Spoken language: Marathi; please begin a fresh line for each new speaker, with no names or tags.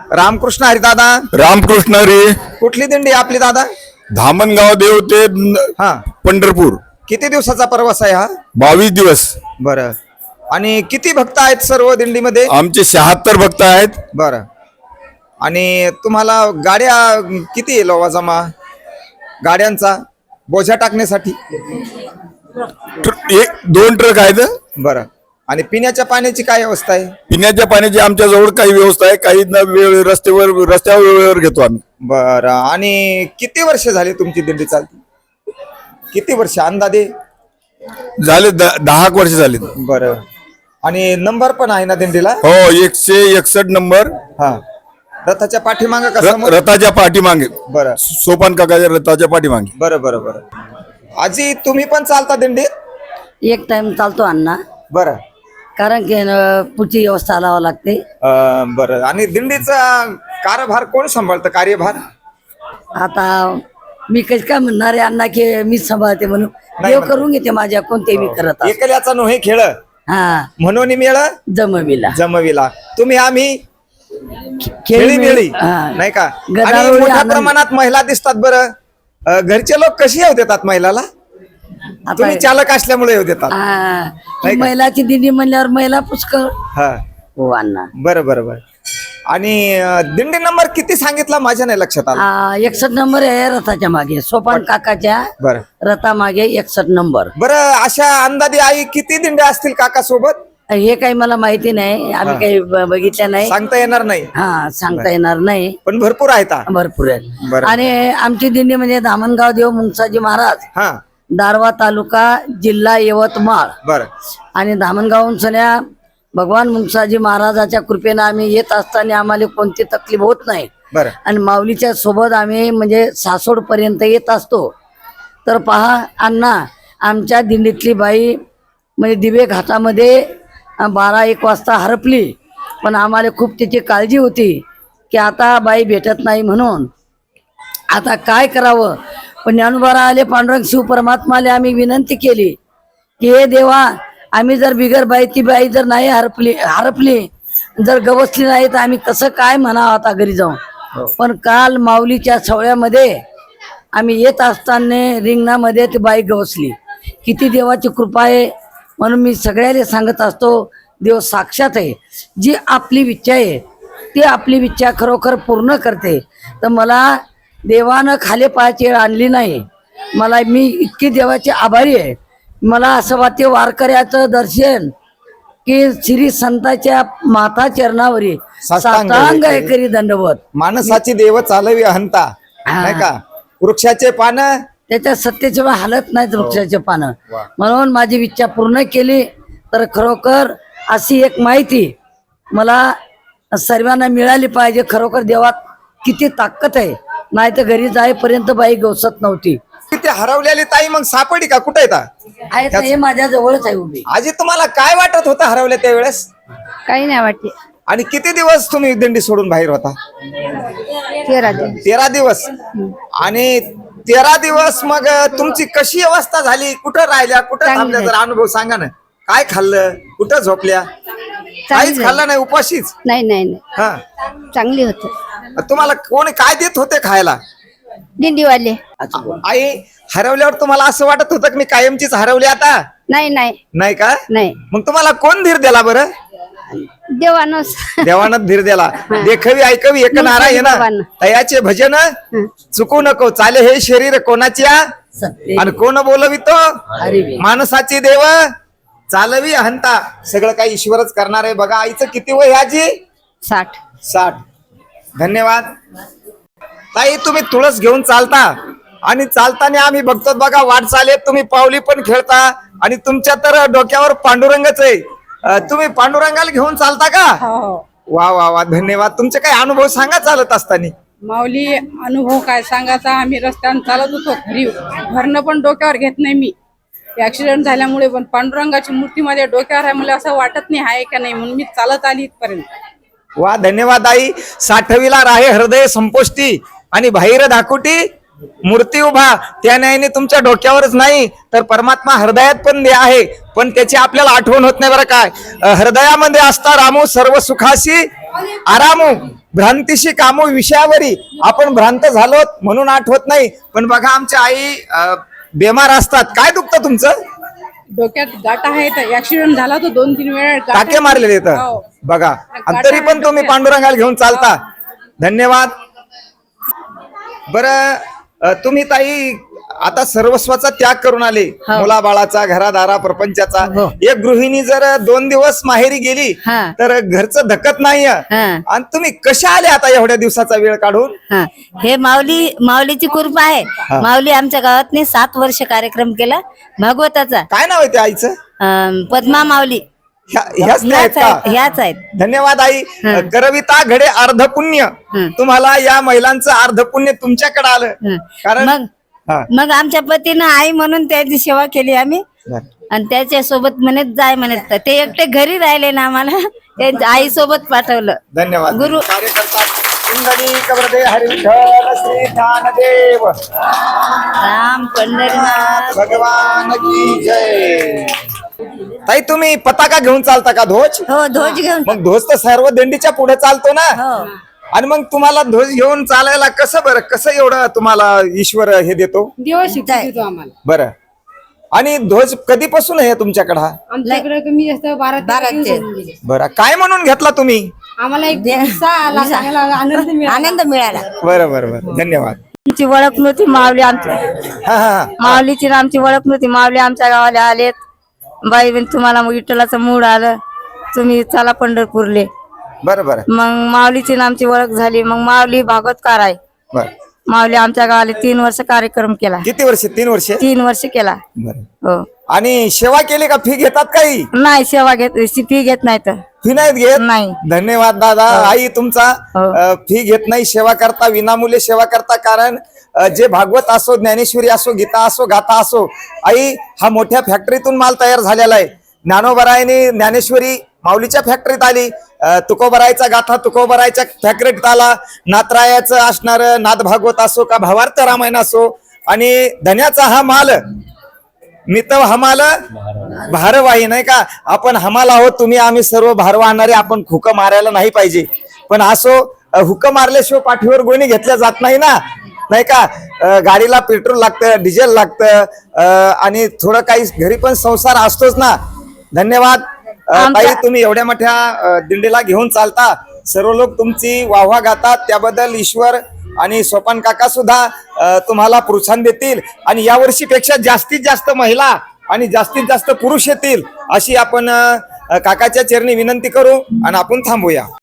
रामकृष्ण हरी दादा.
रामकृष्ण हरी.
कुठली दिंडी आपली दादा?
धामणगाव देव ते
हा,
पंढरपूर.
किती दिवसाचा प्रवास आहे हा?
22 दिवस.
बरं. आणि किती भक्त आहेत सर्व दिंडीमध्ये?
आमचे 76 भक्त आहेत.
बरं. आणि तुम्हाला गाड्या किती आहे लोवा जमा गाड्यांचा बोझा टाकण्यासाठी?
2 ट्रक आहेत.
बरं. आणि पिण्याच्या पाण्याची काय व्यवस्था आहे?
पिण्याच्या पाण्याची आमच्या जवळ काही व्यवस्था आहे, काही रस्त्यावर वेळेवर घेतो आम्ही.
बरं. आणि किती वर्ष झाली तुमची दिंडी चालते? किती वर्ष अंदाजे?
झाले 10 वर्ष झाले.
बरं. आणि नंबर पण आहे ना दिंडीला?
हो, 161 नंबर.
हा. रथाच्या पाठीमागे का समोर?
रथाच्या पाठीमागे.
बरं.
सोपान काकाच्या रथाच्या पाठीमागे.
बरं बरं बरं. आजी तुम्ही पण चालता दिंडीत?
एक टाइम चालतो अण्णा,
बरं.
कारण की पुढची व्यवस्था लावावं लागते.
बरं. आणि दिंडीचा कारभार कोण सांभाळतं, कार्यभार?
आता मी कशी काय म्हणणार आहे अण्णा की मीच सांभाळते म्हणून?
नाही
देव
म्हणते.
करून घेते माझ्या कोणते मी करत असतो.
एकल्याचा नोहे खेळ
हा,
म्हणून मेळ
जमविला
जमविला. तुम्ही आम्ही खेळी
खेळी
मिळी
हा.
नाही का? आणि
गदारोळी
मोठ्या
आनंद.
प्रमाणात महिला दिसतात. बरं. घरचे लोक कशी येऊ देतात महिलाला?
आता
तुम्ही चालक असल्यामुळे येऊ देतात.
हा,
नाही का?
महिलाची दिंडी म्हणल्यावर महिला पुष्कळ.
हा.
हो अण्णा.
बरं बरं बरं. आणि दिंडी नंबर किती सांगितला माझ्या नाही लक्षात आलं.
61 नंबर आहे रथाच्या मागे, सोपान काकाच्या
बरं
रथा मागे 61 नंबर.
बरं. अशा अंदाजे आई किती दिंड्या असतील काका सोबत?
हे काही मला माहिती नाही, आम्ही काही बघितलं नाही.
सांगता येणार नाही,
हा, सांगता येणार नाही,
पण भरपूर आहेत.
भरपूर आहेत.
बरं.
आणि आमची दिंडी म्हणजे धामणगाव देव मुंगसाजी महाराज,
हा.
दारवा तालुका, जिल्हा यवतमाळ.
बरं.
आणि धामणगावहून सन्या भगवान मुंगसाजी महाराजाच्या कृपेनं आम्ही येत असताना आम्हाला कोणती तकलीफ होत नाही.
बरं.
आणि माऊलीच्या सोबत आम्ही म्हणजे सासोड पर्यंत येत असतो. तर पहा अण्णा, आमच्या दिंडीतली बाई म्हणजे दिवे घाटामध्ये 12-1 वाजता हरपली, पण आम्हाला खूप तिची काळजी होती की आता बाई भेटत नाही म्हणून. आता काय करावं, पण ज्ञानोबा आले, पांडुरंग शिव परमात्माले आम्ही विनंती केली की हे देवा, आम्ही जर बिगर बाई ती बाई जर नाही हरपली जर गवसली नाही तर आम्ही कसं काय म्हणावं आता घरी जाऊन. पण काल माऊलीच्या सवळ्यामध्ये आम्ही येत असताना रिंगणामध्ये ती बाई गवसली. किती देवाची कृपा आहे. म्हणून मी सगळ्याला सांगत असतो, देव साक्षात आहे. जी आपली इच्छा आहे ती आपली इच्छा खरोखर पूर्ण करते. तर मला देवानं खाली पायाची वेळ आणली नाही. मी इतकी देवाची आभारी आहे. मला असं वाटते वारकऱ्याचं दर्शन की श्री संताच्या माता चरणावरी साष्टांग आहे करी दंडवत.
माणसाची देव चालवी अहंता, नाही का? वृक्षाचे पान
त्याच्या सत्तेशिवाय हालत नाहीत वृक्षाचे पानं. म्हणून माझी इच्छा पूर्ण केली. तर खरोखर अशी एक माहिती मला सर्वांना मिळाली पाहिजे. खरोखर देवात किती ताकद आहे. नाही तर घरी जाईपर्यंत बाई गवसत नव्हती.
ते हरवलेली ताई मग सापडी का? कुठे येतात?
हे माझ्या जवळच आहे उभी.
आजी तुम्हाला काय वाटत होतं हरवल्या त्यावेळेस?
काही नाही वाटते.
आणि किती दिवस तुम्ही दिंडी सोडून बाहेर होता? 13 दिवस. आणि 13 दिवस मग तुमची कशी अवस्था झाली? कुठं राहिल्या, कुठं थांबल्या? जरा अनुभव सांगा ना. काय खाल्लं, कुठं झोपल्या? काहीच खाल्लं नाही, उपाशीच?
नाही नाही नाही,
हा.
चांगली होत.
तुम्हाला कोणी काय देत होते खायला?
दिंडीवाले.
आई, हरवल्यावर तुम्हाला असं वाटत होतं की मी कायमचीच हरवली आता?
नाही नाही
नाही का?
नाही,
मग तुम्हाला कोण धीर दिला बरं?
देवानच.
देवानं धीर दिला. देखवी ऐकवी एक नारा आहे ना,
देवानं.
तयाचे भजन चुकू नको, चाले हे शरीर कोणाच्या
सत्य
आणि कोण बोलवितो?
हरी
माणसाची देव चालवी अहंता. सगळं काही ईश्वरच करणार आहे. बघा आईचं किती वय आजी?
60.
धन्यवाद ताई. तुम्ही तुळस घेऊन चालता आणि चालताना आम्ही बघतो बघा वाटचाल तुम्ही पावली पण खेळता आणि तुमच्या तर डोक्यावर पांडुरंगच आहे. तुम्ही पांडुरंगाला घेऊन चालता का? वा वा वा, धन्यवाद. तुमचे काही अनुभव सांगा चालत असताना.
माऊली, अनुभव काय सांगायचा. आम्ही रस्त्याने चालत होतो, घरी घरनं पण डोक्यावर घेत नाही मी. ऍक्सिडेंट झाल्यामुळे पण पांडुरंगाची मूर्ती माझ्या डोक्यावर आहे. मला असं वाटत नाही आहे का नाही, म्हणून मी चालत आली इथपर्यंत.
वा, धन्यवाद आई. साठविला राहे हृदय संपोष्टी आणि बाहेर धाकुटी मूर्ती उभा. त्या न्यायाने तुमच्या डोक्यावरच नाही तर परमात्मा हृदयात पण आहे, पण त्याची आपल्याला आठवण होत नाही बरं काय. हृदयामध्ये असता रामू सर्व सुखाशी आरामो भ्रांतीशी कामो विषयावरी आपण भ्रांत झालो म्हणून आठवत नाही. पण बघा आमच्या आई बेमार असतात. काय दुखतं तुमचं?
डोक्यात गाठा आहेत. ऍक्सिडेंट झाला तो 2-3 वेळा
टाके मारलेले
हो.
आहेत बघा. आणि तरी पण तुम्ही पांडुरंगाला घेऊन चालता. धन्यवाद. बरं तुम्ही ताई आता सर्वस्वाचा त्याग करून आले, मुलाबाळाचा, घरादारा, प्रपंचाचा. एक गृहिणी जर 2 दिवस माहेरी गेली
हा.
तर घरचं धकत नाही.
हा.
आणि तुम्ही कशा आले आता एवढ्या दिवसाचा वेळ काढून?
हा, हे माऊलीची कृपा आहे. माऊली आमच्या गावात 7 वर्ष कार्यक्रम केला भागवताचा.
काय नाव आहे त्या आईचं?
पद्मा माऊली
ह्याच नाही आहेत का?
ह्याच आहेत.
धन्यवाद आई. करविता घडे अर्ध पुण्य. तुम्हाला या महिलांचं अर्ध पुण्य तुमच्याकडे आलं. कारण
मग आमच्या पतीनं आई म्हणून त्याची सेवा केली आम्ही. आणि त्याच्या सोबत म्हणत जाय म्हणत ते एकटे घरी राहिले ना, आम्हाला त्यांच्या आई सोबत पाठवलं.
धन्यवाद.
गुरु
कार्यकर्ता इंद्रनी कबरदे हरी विठ्ठल श्री ज्ञानदेव
राम पंढरीनाथ
भगवान की जय. ताई तुम्ही पताका घेऊन चालता का? ध्वज?
हो, ध्वज घेऊन.
मग ध्वज तर सर्व दिंडीच्या पुढे चालतो ना.
हो.
आणि मग तुम्हाला ध्वज घेऊन चालायला कसं बरं, कसं एवढं तुम्हाला ईश्वर हे देतो
दिवस शिकतो आम्हाला.
बरं? आणि ध्वज कधीपासून आहे तुमच्याकडे हा?
आमच्याकडे कमी जास्त 12
बरं, काय म्हणून घेतला तुम्ही?
आम्हाला एक उत्साह आला, चांगला आनंद मिळाला.
आनंद मिळाला.
बरं बरं बरं, धन्यवाद.
आमची ओळख नव्हती माऊली आमच्या
हा हा
माऊलीची ना आमची ओळख नव्हती. माऊली आमच्या गावाला आलेत. बाई बहीण तुम्हाला विठ्ठलाचं मूड आलं, तुम्ही चला पंढरपूरले.
बरं बरं
मग माऊलीची ना आमची ओळख झाली. मग माऊली भागवतकार आहे.
बरं.
माऊली आमच्या गावाला 3 वर्ष कार्यक्रम केला.
किती वर्ष? 3 वर्ष.
3 वर्ष केला.
बरं.
हो.
आणि सेवा केली का? फी घेतात काही?
नाही सेवा घेत, फी घेत नाही तर.
फी नाहीत घेत?
नाही.
धन्यवाद दादा. आई तुमचा फी घेत नाही, सेवा करता, विनामूल्य सेवा करता. कारण जे भागवत असो, ज्ञानेश्वरी असो, गीता असो, गाथा असो, आई हा मोठ्या फॅक्टरीतून माल तयार झालेला आहे. ज्ञानोबरायने ज्ञानेश्वरी माऊलीच्या फॅक्टरीत आली. तुकोबरायचा गाथा तुकोबरायच्या फॅक्टरीत आला. नाथरायाचं असणार नाथ भागवत असो का भावार्थ रामायण असो. आणि धन्याचा हा माल मित हमाल भारवाही, नाही का? आपण हमाल आहोत, तुम्ही आम्ही सर्व भार वाहणारे. आपण हुक मारायला नाही पाहिजे. पण असो हुक मारल्याशिवाय पाठीवर गोणी घेतल्या जात नाही ना, नाही का? गाडीला पेट्रोल लागतं, डिझेल लागतं, आणि थोडं काही घरी पण संसार असतोच ना. धन्यवाद ताई. तुम्ही एवढ्या मोठ्या दिंडीला घेऊन चालता, सर्व लोक तुमची वाहवा गातात, त्याबद्दल ईश्वर आणि सोपान काका सुद्धा तुम्हाला प्रोत्साहन देतील. आणि यावर्षी पेक्षा जास्तीत जास्त महिला आणि जास्तीत जास्त पुरुष येतील अशी आपण काकाच्या चरणी विनंती करू आणि आपण थांबूया.